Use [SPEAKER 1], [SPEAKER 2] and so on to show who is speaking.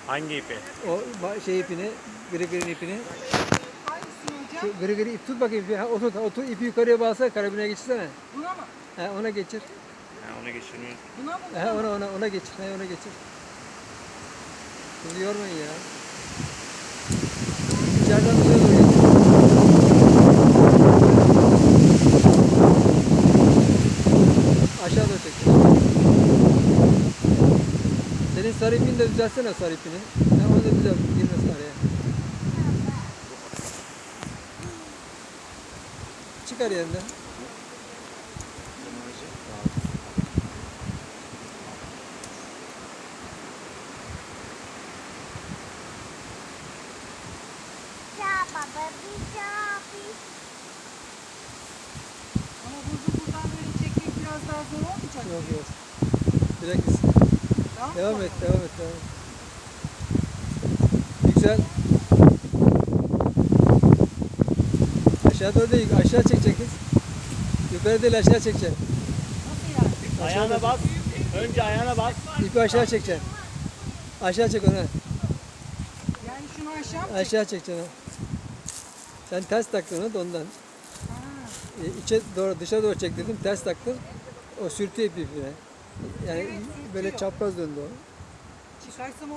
[SPEAKER 1] Hangi ipi?
[SPEAKER 2] O şey ipini, gri ipini.
[SPEAKER 3] Hangisini hocam?
[SPEAKER 2] Şu gri ip tut bakayım. Ha, otur ipi yukarıya bağlasana, karabine geçirsene.
[SPEAKER 3] Buna mı?
[SPEAKER 2] Ha, ona geçir.
[SPEAKER 1] Ha, onu geçirmeyi.
[SPEAKER 3] Buna mı?
[SPEAKER 2] Ha, ona geçir. Ha, ona geçir. Şimdi yormayın ya. İçeriden buraya doğru geçir. Aşağı doğru çek. Senin sarı ipini de düzeltsene, sarı ipini. Ha, onu da düzelt, girmesin araya. Çıkar yerinden.
[SPEAKER 3] Ama buradan böyle çekmek biraz daha zor olmayacak.
[SPEAKER 2] Yok yok. Direkt gitsin.
[SPEAKER 3] Tamam
[SPEAKER 2] Devam
[SPEAKER 3] mı?
[SPEAKER 2] et, devam et, devam et. Yüksel. Aşağı doğru değil, aşağı çekecek kız. Yukarı değil, aşağı çekeceksin.
[SPEAKER 3] Nasıl yani?
[SPEAKER 1] Ayağına bas. Önce ayağına bas.
[SPEAKER 2] İpi aşağı çekeceksin. Aşağı çek onu.
[SPEAKER 3] Yani şunu aşağı mı çek?
[SPEAKER 2] Aşağı çekeceksin. Ha. Sen ters taktın onu da ondan.
[SPEAKER 3] Ha.
[SPEAKER 2] İçe doğru, dışa doğru çek dedim, ters taktın. O sürtüyor ipine. Yani
[SPEAKER 3] Evet,
[SPEAKER 2] böyle
[SPEAKER 3] sürtüyor.
[SPEAKER 2] çapraz döndü o.
[SPEAKER 3] Çıkarsam